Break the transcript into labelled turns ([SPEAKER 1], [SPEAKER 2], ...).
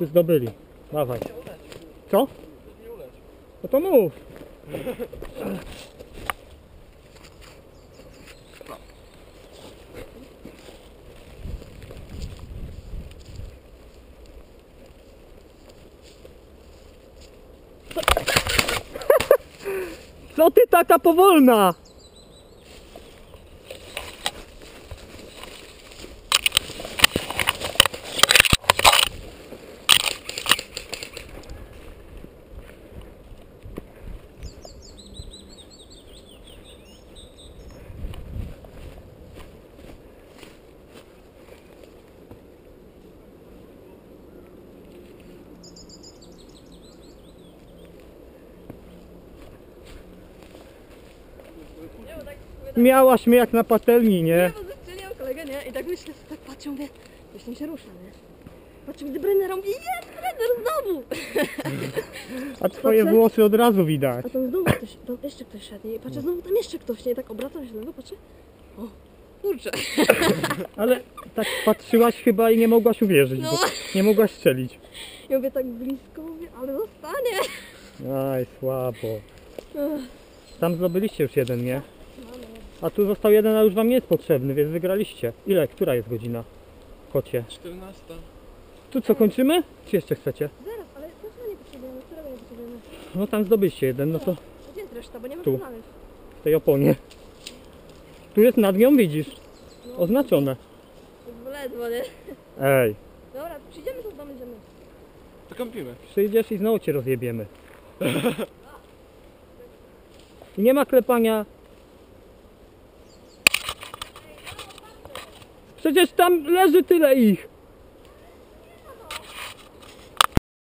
[SPEAKER 1] Wszyscy zdobyli. Dawaj. Co? No to mów. Co ty taka powolna? Miałaś mnie jak na patelni, nie?
[SPEAKER 2] Nie, bo zastrzeliłam kolegę, nie? I tak myślę, tak patrzę, mówię, coś tam się rusza, nie? Patrzę, gdy Brenner robi, jest Brenner znowu!
[SPEAKER 1] A twoje włosy od razu widać.
[SPEAKER 2] A tam znowu ktoś, tam jeszcze ktoś szedł, nie? I patrzę, znowu tam jeszcze ktoś, nie? I tak obracam się znowu, patrzę, o, kurczę.
[SPEAKER 1] Ale tak patrzyłaś chyba i nie mogłaś uwierzyć,
[SPEAKER 2] No.
[SPEAKER 1] bo nie mogłaś strzelić.
[SPEAKER 2] Ja mówię tak blisko, mówię, ale zostanie.
[SPEAKER 1] Aj, słabo.
[SPEAKER 2] Ech,
[SPEAKER 1] Tam zdobyliście już jeden, nie? A tu został jeden, a już wam nie jest potrzebny, więc wygraliście. Ile? Która jest godzina? Kocie.
[SPEAKER 3] 14.
[SPEAKER 1] Tu co, kończymy? Czy jeszcze chcecie?
[SPEAKER 2] Zaraz, ale dlaczego nie potrzebujemy? Którego nie potrzebujemy?
[SPEAKER 1] No tam zdobyliście jeden, no to
[SPEAKER 2] A gdzie jest reszta? Bo nie ma
[SPEAKER 1] Tu.
[SPEAKER 2] co znaleźć.
[SPEAKER 1] w tej oponie. Tu jest nad nią, widzisz? Oznaczone.
[SPEAKER 2] Tak ledwo, nie?
[SPEAKER 1] Ej,
[SPEAKER 2] Dobra, przyjdziemy, to zdobędziemy.
[SPEAKER 3] To kąpimy.
[SPEAKER 1] przyjdziesz i znowu cię rozjebiemy. I nie ma klepania. Przecież tam leży tyle ich.